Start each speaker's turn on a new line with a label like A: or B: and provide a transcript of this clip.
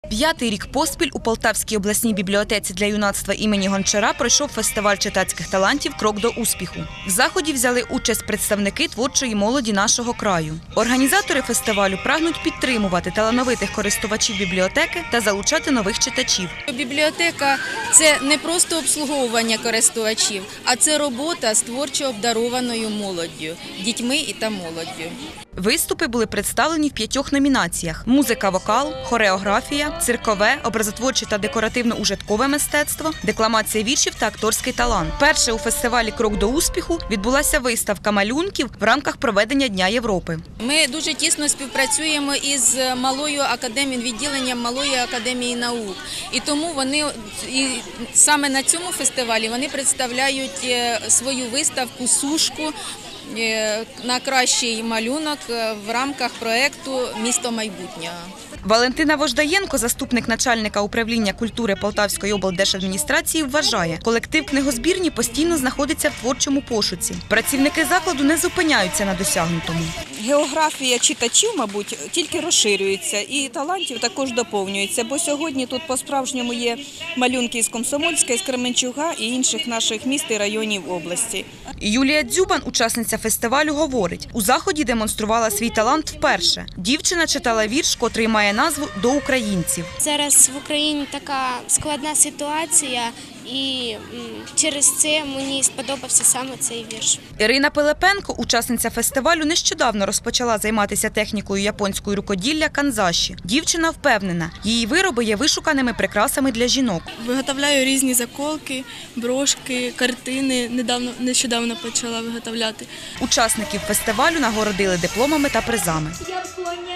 A: 5-й рік поспіль у Полтавській обласній бібліотеці для юнацтва імені Гончара пройшов фестиваль читацьких талантів «Крок до успіху». В заході взяли участь представники творчої молоді нашого краю. Організатори фестивалю прагнуть підтримувати талановитих користувачів бібліотеки та залучати нових читачів.
B: Бібліотека – це не просто обслуговування користувачів, а це робота з творчо обдарованою молоддю, дітьми та молоддю.
A: Виступи були представлені в 5 номінаціях – музика-вокал, хореографія, циркове, образотворче та декоративно-ужиткове мистецтво, декламація віршів та акторський талант. Перше у фестивалі «Крок до успіху» відбулася виставка малюнків в рамках проведення Дня Європи.
B: Ми дуже тісно співпрацюємо із малою академією, відділенням Малої академії наук. І тому саме на цьому фестивалі вони представляють свою виставку «Сушку» на кращий малюнок в рамках проєкту «Місто майбутнього».
A: Валентина Вождаєнко, заступник начальника управління культури Полтавської облдержадміністрації, вважає, колектив книгозбірні постійно знаходиться в творчому пошуці. Працівники закладу не зупиняються на досягнутому.
C: Географія читачів, мабуть, тільки розширюється і талантів також доповнюється, бо сьогодні тут по-справжньому є малюнки із Комсомольська, із Кременчуга і інших наших міст і районів області.
A: Юлія Дзюбан, учасниця фестивалю, говорить, у заході демонструвала свій талант вперше. Дівчина читала вірш, котрий має назву «До українців».
D: Зараз в Україні така складна ситуація, і через це мені сподобався саме цей вірш.
A: Ірина Пилипенко, учасниця фестивалю, нещодавно розпочала займатися технікою японської рукоділля канзаші. Дівчина впевнена, її вироби є вишуканими прикрасами для жінок.
E: Виготовляю різні заколки, брошки, картини. Нещодавно почала виготовляти.
A: Учасників фестивалю нагородили дипломами та призами.
F: Я вклоняюсь